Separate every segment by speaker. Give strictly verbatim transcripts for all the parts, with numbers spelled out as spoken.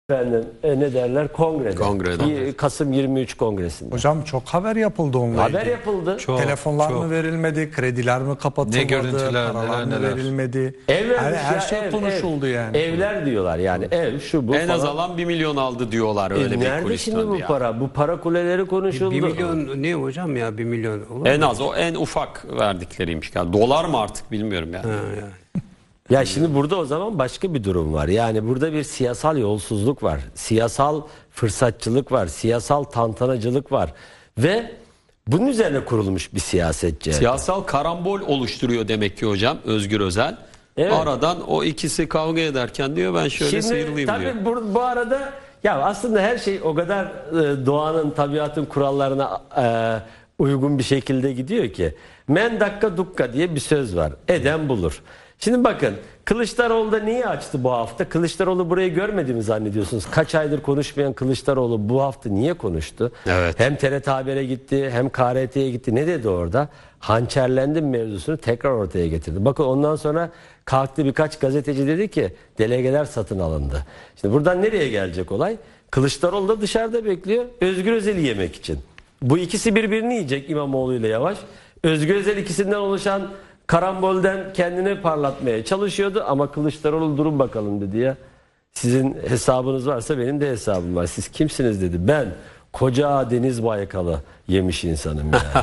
Speaker 1: Efendim e, ne derler kongrede.
Speaker 2: Kongrede.
Speaker 1: Y- Kasım yirmi üç kongresinde.
Speaker 3: Hocam çok haber yapıldı onunla
Speaker 1: Haber
Speaker 3: ilgili.
Speaker 1: yapıldı.
Speaker 4: Çok,
Speaker 3: Telefonlar
Speaker 4: çok.
Speaker 3: mı verilmedi, krediler mi kapatılmadı,
Speaker 4: Ne görüntüler,
Speaker 3: paralar
Speaker 4: neler,
Speaker 3: mı
Speaker 4: neler.
Speaker 3: verilmedi.
Speaker 1: Evler
Speaker 3: her, her
Speaker 1: ya,
Speaker 3: şey
Speaker 1: ev,
Speaker 3: konuşuldu
Speaker 1: ev.
Speaker 3: yani.
Speaker 1: Evler diyorlar yani ev şu bu
Speaker 2: En
Speaker 1: falan.
Speaker 2: az alan bir milyon aldı diyorlar,
Speaker 1: E,
Speaker 2: öyle bir
Speaker 1: nerede
Speaker 2: kulis
Speaker 1: şimdi
Speaker 2: döndü
Speaker 1: bu
Speaker 2: ya.
Speaker 1: para? Bu para kuleleri konuşuldu.
Speaker 5: Bir milyon ne hocam ya bir milyon olur mu?
Speaker 2: En az o en ufak verdikleriymiş. Yani dolar mı artık bilmiyorum yani.
Speaker 5: Ha, yani.
Speaker 1: Ya şimdi burada o zaman başka bir durum var. Yani burada bir siyasal yolsuzluk var. Siyasal fırsatçılık var. Siyasal tantanacılık var. Ve bunun üzerine kurulmuş bir siyasetçi.
Speaker 2: Siyasal karambol oluşturuyor demek ki hocam Özgür Özel.
Speaker 1: Evet.
Speaker 2: Aradan o ikisi kavga ederken diyor ben şöyle
Speaker 1: Şimdi
Speaker 2: sıyrılayım
Speaker 1: tabii
Speaker 2: diyor.
Speaker 1: bu, bu arada ya aslında her şey o kadar e, doğanın, tabiatın kurallarına e, uygun bir şekilde gidiyor ki. Men dakika dukka diye bir söz var. Eden bulur. Şimdi bakın Kılıçdaroğlu da niye açtı bu hafta? Kılıçdaroğlu burayı görmedi mi zannediyorsunuz? Kaç aydır konuşmayan Kılıçdaroğlu bu hafta niye konuştu?
Speaker 2: Evet.
Speaker 1: Hem T R T Haber'e gitti hem K R T'ye gitti. Ne dedi orada? Hançerlendim mevzusunu tekrar ortaya getirdi. Bakın ondan sonra kalktı birkaç gazeteci dedi ki delegeler satın alındı. Şimdi buradan nereye gelecek olay? Kılıçdaroğlu da dışarıda bekliyor Özgür Özel'i yemek için. Bu ikisi birbirini yiyecek İmamoğlu ile Yavaş. Özgür Özel ikisinden oluşan karambolden kendini parlatmaya çalışıyordu ama Kılıçdaroğlu durun bakalım dedi ya. Sizin hesabınız varsa benim de hesabım var. Siz kimsiniz dedi. Ben koca Deniz Baykal'ı yemiş insanım yani.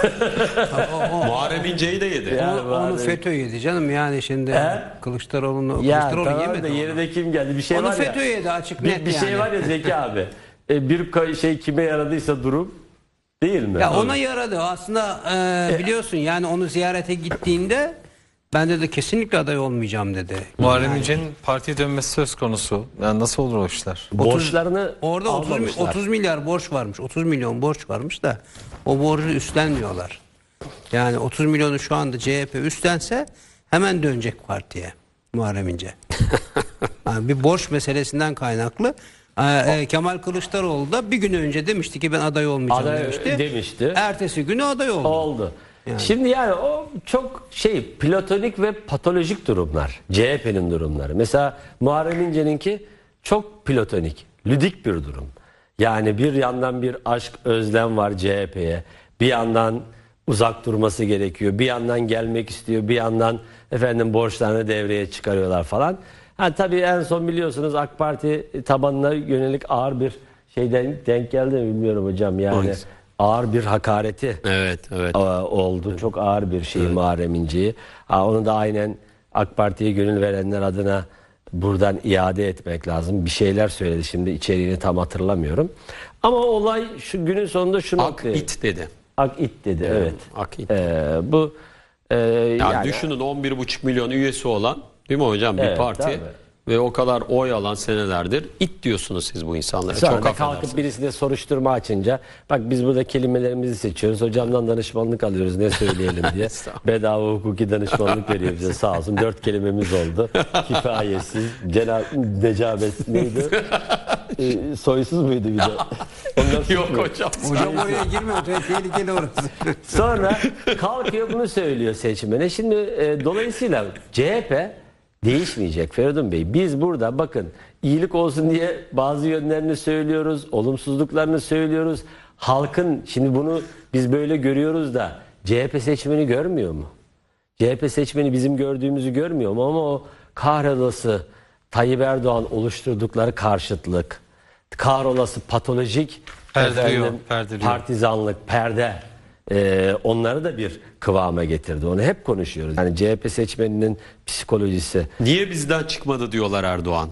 Speaker 2: Muharrem İnce'yi de yedi.
Speaker 1: Ya.
Speaker 5: Onu, onu FETÖ yedi canım yani şimdi
Speaker 1: He?
Speaker 5: Kılıçdaroğlu'nu
Speaker 1: Ya
Speaker 5: Kılıçdaroğlu
Speaker 1: tamam
Speaker 5: yemedi
Speaker 1: da
Speaker 5: onu.
Speaker 1: yerine kim geldi? Bir şey
Speaker 5: Onu
Speaker 1: var ya.
Speaker 5: FETÖ yedi açık
Speaker 1: Bir,
Speaker 5: net
Speaker 1: bir şey
Speaker 5: yani.
Speaker 1: var ya Zeki abi. E, bir ka- şey kime yaradıysa durum değil mi?
Speaker 5: Ya ona yaradı aslında e, biliyorsun yani onu ziyarete gittiğinde ben dedi kesinlikle aday olmayacağım dedi.
Speaker 4: Muharrem İnce'nin partiye dönmesi söz konusu. Yani nasıl olur o işler?
Speaker 1: Borçlarını
Speaker 5: Orada otuz, mi-
Speaker 1: almamışlar.
Speaker 5: otuz milyar borç varmış. otuz milyon borç varmış da o borcu üstlenmiyorlar. Yani otuz milyonu şu anda C H P üstlense hemen dönecek partiye Muharrem İnce. Yani bir borç meselesinden kaynaklı. Ee, e, Kemal Kılıçdaroğlu da bir gün önce demişti ki ben aday olmayacağım
Speaker 1: Aday
Speaker 5: demişti.
Speaker 1: demişti.
Speaker 5: Ertesi günü aday oldu.
Speaker 1: Oldu.
Speaker 5: Yani.
Speaker 1: Şimdi yani o çok şey platonik ve patolojik durumlar. C H P'nin durumları. Mesela Muharrem İnce'ninki çok platonik, lüdik bir durum. Yani bir yandan bir aşk, özlem var C H P'ye. Bir yandan uzak durması gerekiyor. Bir yandan gelmek istiyor. Bir yandan efendim borçlarını devreye çıkarıyorlar falan. Ha tabii en son biliyorsunuz AK Parti tabanına yönelik ağır bir şeyden denk geldi mi bilmiyorum hocam. Yani
Speaker 2: Hangisi?
Speaker 1: ağır bir hakareti
Speaker 2: Evet, evet.
Speaker 1: e, oldu. Çok ağır bir şey Muharrem İnce'yi. Ha, onu da aynen AK Parti'ye gönül verenler adına buradan iade etmek lazım. Bir şeyler söyledi şimdi içeriğini tam hatırlamıyorum. Ama olay şu günün sonunda şu
Speaker 2: Ak
Speaker 1: noktaya-
Speaker 2: it dedi.
Speaker 1: Ak it dedi evet.
Speaker 2: Ak it.
Speaker 1: Ee, bu e,
Speaker 2: Yani,
Speaker 1: yani
Speaker 2: düşünün on bir buçuk milyon üyesi olan değil mi hocam bir
Speaker 1: Evet,
Speaker 2: parti
Speaker 1: tabii.
Speaker 2: ve o kadar oy alan senelerdir it diyorsunuz siz bu insanlara.
Speaker 1: sonra
Speaker 2: Çok
Speaker 1: da
Speaker 2: affedersiniz.
Speaker 1: kalkıp birisine soruşturma açınca bak biz burada kelimelerimizi seçiyoruz. Hocamdan danışmanlık alıyoruz ne söyleyelim diye. Bedava hukuki danışmanlık veriyor bize sağ olsun. Dört kelimemiz oldu. Kifayetsiz, cenab necabet neydi? Ee, soysuz muydu bir de? Onlar
Speaker 2: Yok
Speaker 1: suç mu?
Speaker 2: hocam.
Speaker 5: Hocam oraya girme tehlikeli orası.
Speaker 1: Sonra kalkıyor bunu söylüyor seçmene. Şimdi e, dolayısıyla C H P değişmeyecek Feridun Bey. Biz burada bakın iyilik olsun diye bazı yönlerini söylüyoruz. Olumsuzluklarını söylüyoruz. Halkın şimdi bunu biz böyle görüyoruz da C H P seçmeni görmüyor mu? C H P seçmeni bizim gördüğümüzü görmüyor mu? Ama o kahrolası Tayyip Erdoğan oluşturdukları karşıtlık, kahrolası patolojik
Speaker 4: Perdeliyor,
Speaker 1: efendim,
Speaker 4: perdeliyor.
Speaker 1: partizanlık, perde e, onları da bir kıvama getirdi. Onu hep konuşuyoruz. Yani C H P seçmeninin psikolojisi.
Speaker 2: Niye bizden çıkmadı diyorlar Erdoğan.